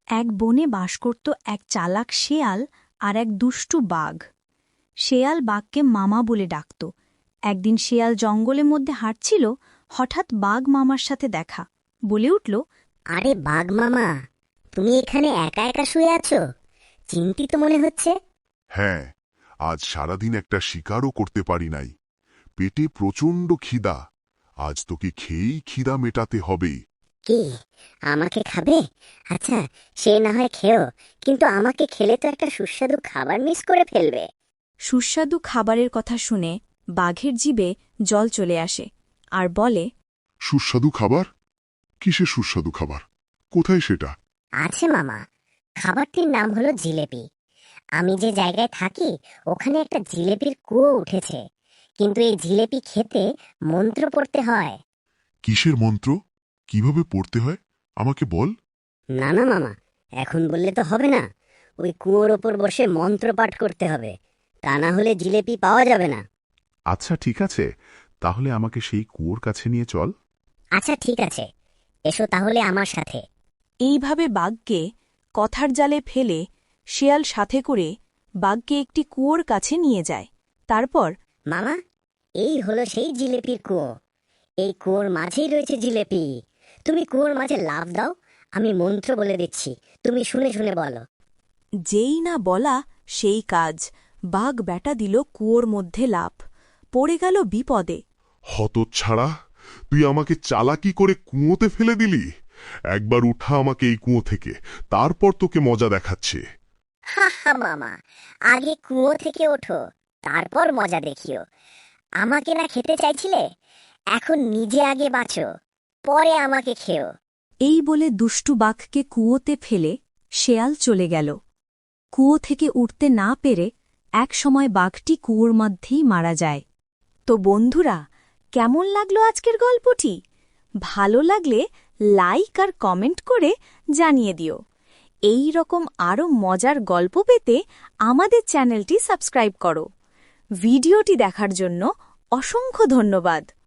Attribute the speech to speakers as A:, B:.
A: এক বনে বাস করত এক চালাক শেয়াল আর এক দুষ্টু বাঘ। শেয়াল বাঘকে মামা বলে ডাকত। একদিন শেয়াল জঙ্গলের মধ্যে হাঁটছিল, হঠাৎ বাঘ মামার সাথে দেখা। বলে উঠল,
B: আরে বাঘ মামা, তুমি এখানে একা একা শুয়ে আছো? চিন্তিত মনে হচ্ছে।
C: হ্যাঁ, আজ সারাদিন একটা শিকারও করতে পারি নাই। পেটে প্রচণ্ড খিদা। আজ তোকে খেয়েই খিদা মেটাতে হবে।
B: কি, আমাকে খাবে? আচ্ছা, সে না হয় খেও, কিন্তু আমাকে খেলে তো একটা সুস্বাদু খাবার মিস করে ফেলবে।
A: সুস্বাদু খাবারের কথা শুনে বাঘের জিভে জল চলে আসে আর বলে,
C: সুস্বাদু খাবার? কিসের সুস্বাদু খাবার? কোথায় সেটা?
B: আছে মামা, খাবারটির নাম হলো জিলেপি। আমি যে জায়গায় থাকি ওখানে একটা জিলেপির কুয়ো উঠেছে, কিন্তু এই জিলেপি খেতে মন্ত্র পড়তে হয়।
C: কিসের মন্ত্র? কিভাবে পড়তে হয় আমাকে বল।
B: না না মামা, এখন বললে তো হবে না। ওই কুয়োর ওপর বসে মন্ত্র পাঠ করতে হবে, তা না হলে জিলেপি পাওয়া যাবে না।
C: আচ্ছা ঠিক আছে, তাহলে আমাকে সেই কুয়োর কাছে নিয়ে চল।
B: আচ্ছা ঠিক আছে, এসো তাহলে আমার সাথে।
A: এইভাবে বাঘকে কথার জালে ফেলে শেয়াল সাথে করে বাঘকে একটি কুয়োর কাছে নিয়ে যায়। তারপর,
B: মামা, এই হলো সেই জিলেপির কুয়ো। এই কুয়োর মাঝেই রয়েছে জিলেপি। তুমি কুয়োর মাঝে লাফ দাও, আমি মন্ত্র বলে দিচ্ছি, তুমি শুনে শুনে বলো।
A: যেই না বলা সেই কাজ, বাঘ ব্যাটা দিল কুয়োর মধ্যে লাফ, পড়ে গেল বিপদে।
C: হতচ্ছাড়া, তুই আমাকে চালাকি করে কুয়োতে ফেলে দিলি। একবার উঠা আমাকে এই কুয়ো থেকে, তারপর তোকে মজা দেখাচ্ছে।
B: হা হা মামা, আগে কুয়ো থেকে ওঠো, তারপর মজা দেখিও। আমাকে না খেতে চাইছিলে, এখন নিজে আগে বাঁচো, পরে আমাকে খেও।
A: এই বলে দুষ্টু বাঘকে কুয়োতে ফেলে শেয়াল চলে গেল। কুয়ো থেকে উঠতে না পেরে একসময় বাঘটি কুয়োর মধ্যেই মারা যায়। তো বন্ধুরা, কেমন লাগলো আজকের গল্পটি? ভালো লাগলে লাইক আর কমেন্ট করে জানিয়ে দিও। এই রকম আরও মজার গল্প পেতে আমাদের চ্যানেলটি সাবস্ক্রাইব করো। ভিডিওটি দেখার জন্য অসংখ্য ধন্যবাদ।